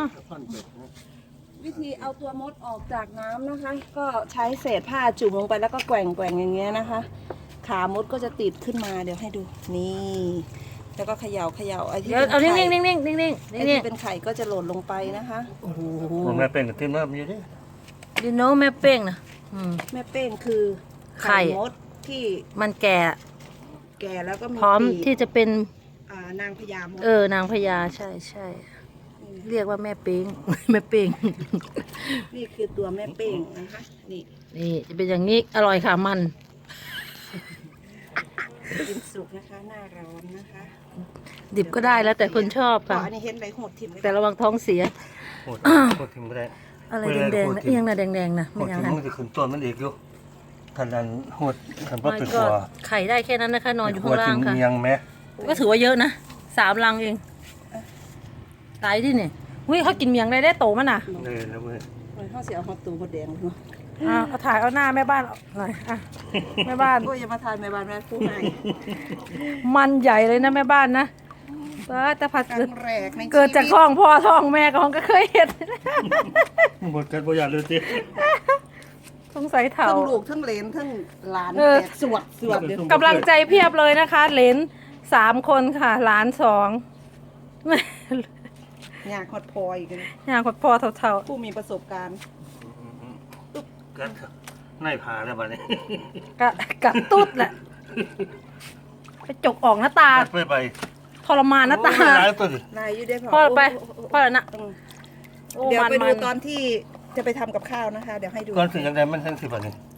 วิธีเอาตัวมดออกจากน้ำนะคะ ก็ใช้เศษผ้าจุ่มลงไปแล้วก็แกว่งอย่างเงี้ยนะคะ ขามดก็จะติดขึ้นมาเดี๋ยวให้ดูนี่แล้วก็เขย่าไอ้ที่เป็นไข่นิ่งไอ้ที่เป็นไข่ก็จะหล่นลงไปนะคะโอ้โหมันไม่เป็นกับที่น้ำอยู่ดิดิโนแม่เป้งนะแม่เป้งคือไข่มดที่มันแก่แก่แล้วก็มีพร้อมปีกที่จะเป็นนางพญามดนางพญาใช่เรียกว่าแม่เป้ง แม่เป้งนี่คือตัวแม่เป้งนะคะนี่นี่จะเป็นอย่างนี้อร่อยค่ะมันกินสุกนะคะหน้าร้อนนะคะดิบก็ได้แล้วแต่คนชอบค่ะอันนี้เห็นไรโหดถิ่มแต่ระวังท้องเสียโคตรทิ้งไม่ได้อะไรแดงๆนะเอียงนะแดงๆนะโคไม่ตรยังทิ้งไงมันจะขึ้นต้นมันเอกอยู่ทันนั้นโหดทันว่าไม่เป็นก็หัวไข่ได้แค่นั้นนะคะนอนอยู่ข้างล่างค่ะเมียงแม่ก็ถือว่าเยอะนะ3 รังเองตายที่นี่หุ้ยเขากินเมียงได้โตมันน่ะเลยนะเว้ยเลยข้าวเสียหอดตูหอดแดงเลยเนาะเอาถ่ายเอาหน้าแม่บ้านหน่อยแม่บ้านโอ้ยอย่ามาทานแม่บ้านแม่ผู้ให้มันใหญ่เลยนะแม่บ้านนะแต่ผัดครั้งแรกในชีวิตเกิดจากท้องพ่อท้องแม่ของก็เคยเห็นหมดกันบ่อยากเลยสิสงสัยเถ่าทั้งลูกทั้งเหลนทั้งหลานเออแตกสวดเดี๋ยวกำลังใจเพียบเลยนะคะเหลน3 คนค่ะหลาน2 อยากฮอดพอยกันอย่างกดพ่อเถ่าผู้มีประสบการณ์กัดในผาแล้วบัดนี้ๆกัดตุ๊ดแหละไปจกออกหน้าตาไปทรมานหน้าตาโอ้ยหลายตัวดินายอยู่ได้พ่อไปโพ่อแล้วนะอืมโอ้เดี๋ยวไปดูมันตอนที่จะไปทำกับข้าวนะคะ เดี๋ยวให้ดูก่อนถึงยังไงมันทั้งสิบัดนี้